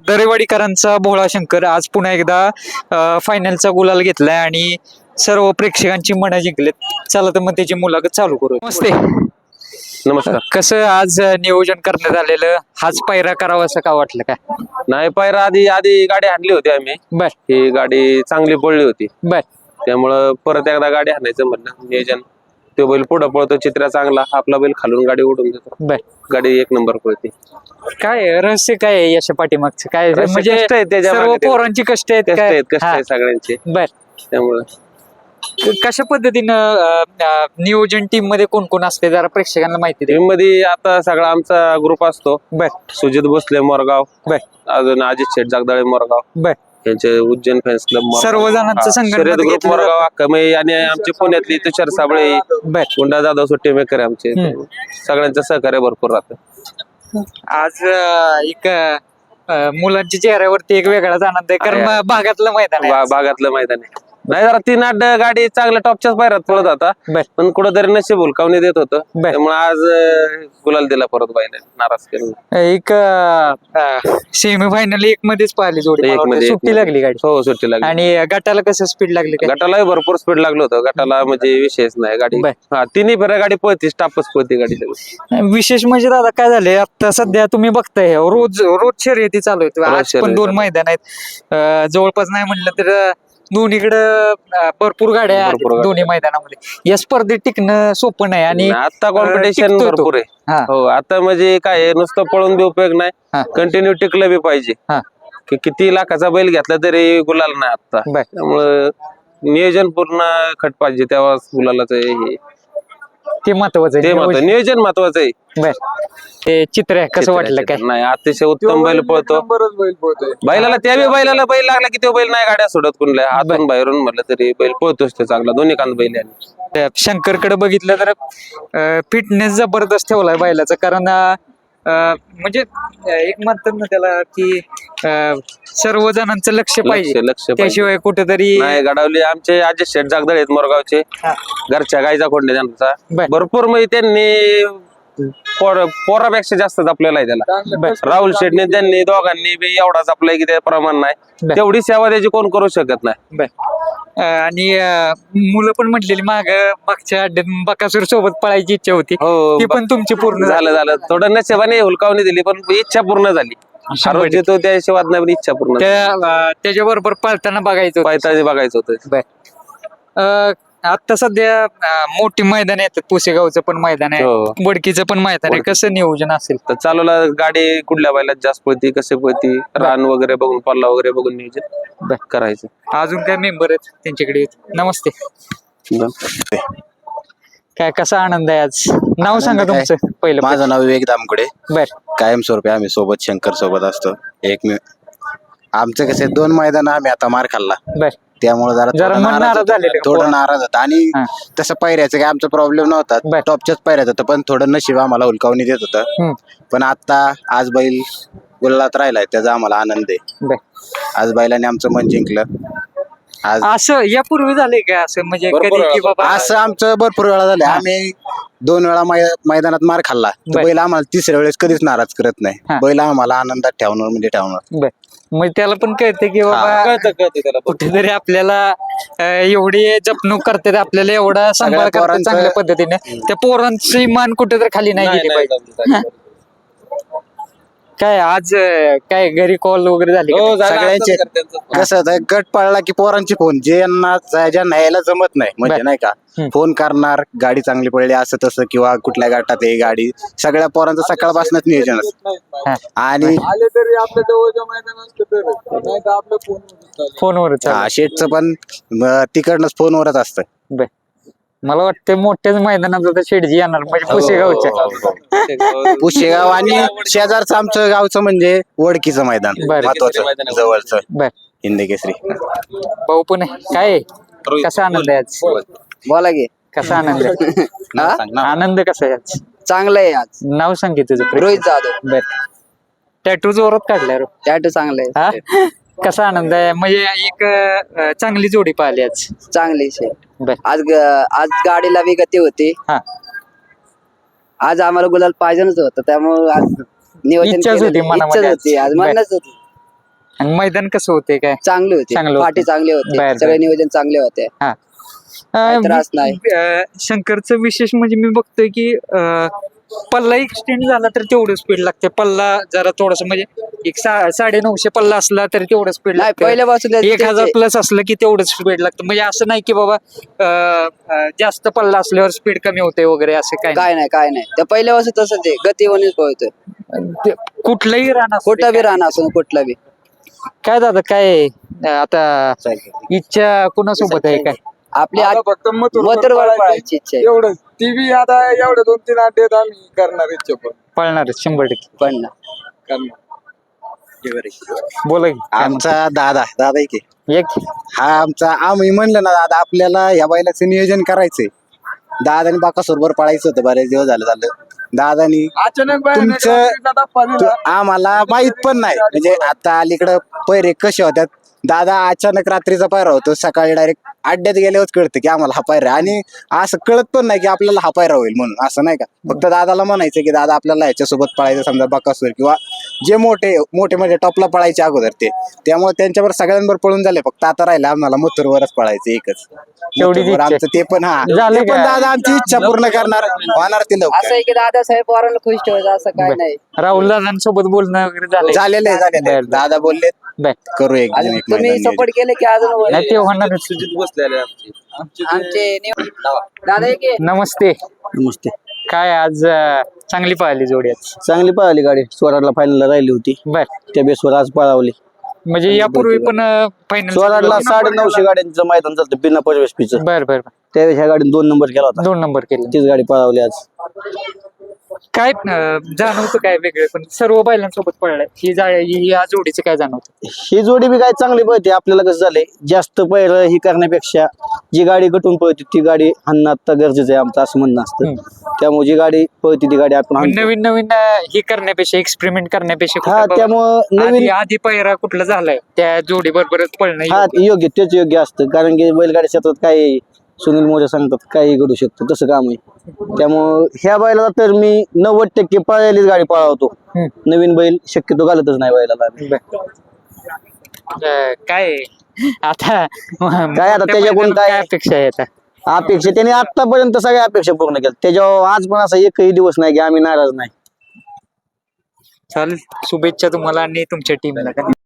दरेवाडीकरांचा भोळा शंकर आज पुन्हा एकदा फायनलचा गुलाल घेतलाय आणि सर्व प्रेक्षकांची मनं जिंकलेत. चला तर मग त्याची मुलाखत चालू करू. नमस्ते. नमस्कार. कसं आज नियोजन करण्यात आलेलं, हाच पायरा करावा असं का वाटलं काय? नाही, पायरा आधी आधी गाडी हाणली होती आम्ही. बर ही गाडी चांगली पडली होती, बर त्यामुळं परत एकदा गाडी हाणायचं म्हणलं नियोजन. तो बैल पुढं पळतो, चित्रा चांगला, आपला बैल खालून गाडी उडून देतो. बर गाडी एक नंबर पळते. काय रहस्य काय आहे यशा पाठीमागचं? काय म्हणजे कष्ट आहेत त्याच्या सर्व मागे ते. पोरांची कष्ट आहेत कष्ट काय? आहेत, कष्ट हा. आहेत सगळ्यांचे. बर त्यामुळं कशा पद्धतीनं नियोजन टीम मध्ये कोण कोण असते जरा प्रेक्षकांना माहिती दे. टीम मध्ये आता सगळा आमचा ग्रुप असतो. बर सुजित भोसले मोरगाव, बर अजून अजित शेठ जगदाळे मोरगाव, बर यांचे उज्जैन फॅन्स क्लब सर्व जणांचं संघटन शर्यत ग्रुप घेतलं मोरगाव अक्कामई आणि आमचे पुण्यातली तुषार साबळे, बर गुंडा जाधव सुट्टी मेकर आमचे. सगळ्यांचं सहकार्य भरपूर राहतं. आज एक मुलांच्या चेहऱ्यावरती एक वेगळाच आनंद आहे कारण भागातलं मैदान आहे आज. भागातलं मैदान आहे. नाही, जरा 3-8 गाडी चांगल्या टॉपच्याच पायऱ्यात पळत होता, बर पण कुठंतरी नशीब हुलकावणी देत होतं. बर. त्यामुळे आज गुलाल दिला परत बाईने, नाराज केलं. एक सेमी फायनल एक मध्येच पाहिली जोडी, एक मला मध्ये- वाटतं सुट्टी लागली गाडी. हो, सुट्टी लागली. आणि गटाला कसं स्पीड लागली काय? गटालाही भरपूर स्पीड लागलं होतं. गटाला म्हणजे विषयच नाही गाडी. बर. हा, तिन्ही फेऱ्या गाडी पळती, स्टाफच पळती गाडी सगळी. विशेष म्हणजे दादा काय झालंय आता सध्या तुम्ही बघताय रोज रोज शर्यती चालू आहेत. आज पण शर्यती 2 चालू. मैदान आहेत. जवळपास नाही म्हटलं तर दोन्हीकडं भरपूर गाड्या आहेत भरपूर गाड्या. दोन्ही मैदानामध्ये. या स्पर्धेत टिकणं सोपं नाही आणि आता कॉम्पिटिशन टिकतोय तो. भरपूर आहे. हा. हो, आता म्हणजे काय आहे, नुसतं पळून बी उपयोग हा. नाही, कंटिन्यू टिकलं बी पाहिजे. हा. की किती लाखाचा बैल घेतला तरी गुलाल नाही आता. बर. त्यामुळं नियोजन पूर्ण खट पाहिजे, तेव्हा गुलालाच हे ते महत्वाचं ते आहे. नियोजन महत्वाचं आहे. बर ते चित्र आहे कसं वाटलं काय? नाही, अतिशय उत्तम बैल पळतो. बैलाला बैलाला बैल लागला की तो बैल नाही गाड्या सोडत कुणल्या आतून बाहेरून म्हटलं तरी बैल पळतोच ते चांगला, दोन्ही कांद बैल आहे. त्या शंकरकडे बघितलं तर फिटनेस जबरदस्त ठेवलाय बैलाचा कारण म्हणजे एक म्हणतात ना त्याला की सर्व जणांचं लक्ष पाहिजे, लक्ष पाहिजे. त्याशिवाय कुठेतरी नाही, गडावली आमचे अजित शेठ जागदळ आहेत मोरगावचे, हा. घरच्या गायचा खोंडे त्यांचा. बर. भरपूर म्हणजे त्यांनी पोरापेक्षा जास्त जपलेला आहे त्याला. बर. राहुल शेठने त्यांनी दोघांनी बी एवढा जपलाय की ते प्रमाण नाही. बर. तेवढी सेवा त्याची कोण करू शकत नाही. बर आणि मुलं पण म्हटलेली मागच्या अड्ड्यात बकासूर सोबत पळायची इच्छा होती, हो, ती पण तुमची पूर्ण झालं थोडं नशिबाने हुलकावणी दिली, पण इच्छा पूर्ण झाली. आरोग्य तो त्या हिशोबात नाही, पण इच्छा पूर्ण झाली. त्याच्याबरोबर पळताना बघायचं होतं. पायताळी बघायचं होतं. बर आता सध्या मोठी मैदान येतात, पुसेगावचं पण मैदान आहे, हो. वडकीचं पण मैदान आहे. कसं नियोजन असेल? तर चालवला गाडी कुठल्या बैलात जास्त पळती, कसे पळती, रान वगैरे बघून, पल्ला वगैरे बघून नियोजन करायचं. अजून काय मेंबर आहेत त्यांच्याकडे? नमस्ते. काय कसा आनंद आहे आज? नाव सांगा आनंद काय? तुमचं पहिलं. माझं नाव विवेक दामकुडे. बर कायमस्वरूपी आम्ही सोबत शंकर सोबत असतो. आमचं कसं 2 मैदान आम्ही आता मार खाल्ला, बर त्यामुळे जरा थोडं मन नाराज झालेलं का? थोडं नाराज होता. आणि हा. तसं पायऱ्याचं काय आमचा प्रॉब्लेम नव्हता, बर. टॉपच्याच पायऱ्यात होतं, पण थोडं नशीब आम्हाला हुलकावणी देत होतं. हम्म. पण आता आज बैल गुलालात राहिलाय, त्याचा आम्हाला आनंद आहे. बर आज बैलाने आमचं मन जिंकलं. आज असं यापूर्वी झालंय का असं म्हणजे भरपूर कधी की बाबा असं आमचं भरपूर वेळा झालं. आम्ही 2 वेळा मैदानात मार खाल्ला, तर बर. बैल आम्हाला 3ऱ्या वेळेस कधीच नाराज करत हा. नाही. बैल आम्हाला आनंदात ठेवणार म्हणजे ठेवणार. बर मग त्याला पण कळतं की बाबा कळतं त्याला. कुठेतरी आपल्याला एवढी जपणूक करतात, आपल्याला एवढा सांभाळ करतात पोरांचं- चांगल्या पद्धतीने, त्या पोरांची मान कुठेतरी खाली नाही गेली पाहिजे. काय आज काय घरी कॉल वगैरे झाले का? हो, झालं, सगळ्यांचे असंच करतात. कसं होतं, गट पडला की पोरांची फोन, ज्यांना यायला जमत नाही म्हणजे बर. नाही का, फोन करणार, गाडी चांगली पडली असं तसं, किंवा कुठल्या गटात आहे गाडी, सगळ्या पोरांचं सकाळपासूनच नियोजन असतं. हा. आणि आले तरी आपल्या जवळच्या मैदानात नाही तर आपल्या फोन फोनवरच शेटचं पण तिकडनंच फोनवरच असतं. बर मला वाटतं मोठ्याच मैदानात आता शेडजी येणार म्हणजे पुसेगावच्या. पुशेगाव आणि शेजारचं आमचं गावचं म्हणजे वडकीचं मैदान बर. महत्वाचं जवळचं बर हिंदकेसरी. भाऊ पण आहे. काय आहे? कसा आनंद आहे आज? बोला की. कसा आनंद आहे? आनंद कसा आहे आज? चांगलं आहे आज. नाव सांगे तुझं? रोहित जाधव. बर टॅटू जोरात काढलाय रो. टॅटू चांगलं आहे. हा कसा आनंद आहे म्हणजे एक चांगली जोडी पाहिली आज. चांगली शे. बर आज गाडीला बी गती होती. हा आज आम्हाला गुलाल पाहिजेच होतं, त्यामुळे आज नियोजन इच्छाच केलं. होती मनामध्ये इच्छाच होती, आज बर. म्हणणंच होती. आणि मैदान कसं होते काय चांगले होते चांगलं होतं. पाठी चांगले होते बर, सगळे बर. नियोजन चांगले होते काही त्रास नाही. शंकरचं विशेष म्हणजे मी बघतोय की पल्ला एक्सटेंड झाला तर तेवढं स्पीड लागते. पल्ला जरा थोडस म्हणजे एक 950 पल्ला असला तर तेवढं स्पीड नाही लागतं. पहिल्यापासून 1000 प्लस असलं की तेवढं स्पीड लागतं. म्हणजे असं नाही की बाबा जास्त पल्ला असल्यावर स्पीड कमी होते वगैरे असं काय काय नाही त्या पहिल्यापासून तसंच आहे गतीवरच पळतोय ते कुठलंही राहणार कुठं बी राहणार असो कुठला बी. काय दादा काय आता इच्छा कुणासोबत आहे काय आपली आता फक्त मथुरवर पळायची इच्छा आहे एवढंच टीव्ही आता एवढे 2-3 अड्डेत आम्ही करणार इच्छा पळणार 100%. पण ना. करणार. बोला की. आमचा दादा आहे की एक हा आम्ही म्हणलं ना दादा आपल्याला या बैलाचं नियोजन करायचंय. दादानी बाकासोबत पळायचं होतं बरेच दिवस झालं दादानी अचानक बाहेर तुमचं- रात्रीचा धप्पा दिला. आम्हाला माहित पण नाही म्हणजे आता अलीकडं पैरे कसे होतात. दादा अचानक रात्रीचा पायरा होतो सकाळी डायरेक्ट अड्ड्यात गेल्यावर कळतं की आम्हाला हा पायरा आणि असं कळत पण नाही की आपल्याला हा पायरा होईल म्हणून असं नाही का. फक्त दादाला म्हणायचं की दादा आपल्याला ह्याच्यासोबत पळायचं समजा बकासूर किंवा जे मोठे म्हणजे टॉपला पळायचे अगोदर त्यामुळे त्यांच्यावर सगळ्यांवर पळून झाले. फक्त आता राहिलं आम्हाला मथुरवरच पळायचं एकच तेवढीच मथुरवर इच्छा आहे. आमचं ते पण झालं ते पण का? दादा आमची इच्छा पूर्ण करणार होणार ते असं लवकर आहे की दादासाहेब पोरांना खुश ठेवायचं असं काय नाही. राहुल दादांसोबत बोलणं वगैरे झालंय झालेलं आहे दादा बोलले बर. करू एक अजून एक तुम्ही मैदान सपोर्ट केले की अजून नाही ते होणारच. सुजित बसलेले आमचे आमचे दादा एक आहे. नमस्ते. नमस्ते. काय आज चांगली पळाली जोडी आज. चांगली पळाली गाडी स्वराडला फायनलला राहिली होती बर. त्या बेसवर आज पळावली. म्हणजे यापूर्वी पण फायनल स्वराडला 950 गाड्यांचं मैदान चालतं बिना परवेशपीचं. बर बर बर. त्यावेळेस ह्या गाडीने 2 नंबर केला होता. 2 नंबर केले. तीच गाडी पळावली आज. काय जाणवतं काय वेगळे पण सर्व बैलांसोबत पळलाय ही या जोडीचं काय जाणवतं. ही जोडी बी काय चांगली पळते. आपल्याला कसं झालंय जास्त पहिलं ही करण्यापेक्षा जी गाडी गटून पळते ती गाडी आणणं आता गरजेचं आहे आमचं असं म्हणणं असतं. त्यामुळे जी गाडी पळते ती गाडी आपण आणतो. नवीन नवीन हे करण्यापेक्षा एक्सपेरिमेंट करण्यापेक्षा हा कुठं त्यामुळं नवीन आधी पहिरा कुठला झालाय त्या जोडी बरोबरच पळणं हा योग्य. योग्य तेच योग्य असतं कारण की बैलगाडी क्षेत्रात काय सुनील मोरे सांगतात काही घडू शकतं तसं काम आहे. त्यामुळं ह्या बैलाला तर मी 90% पळायलीच गाडी पळावतो. नवीन बैल शक्यतो घालतच नाही बैलाला. काय आता काय आता त्याच्याकडून काय अपेक्षा आहे आता. अपेक्षा त्याने आतापर्यंत सगळ्या अपेक्षा पूर्ण केल्या. त्याच्यावर आज पण असा एकही दिवस नाही की आम्ही नाराज नाही. चालेल शुभेच्छा तुम्हाला आणि तुमच्या टीमला.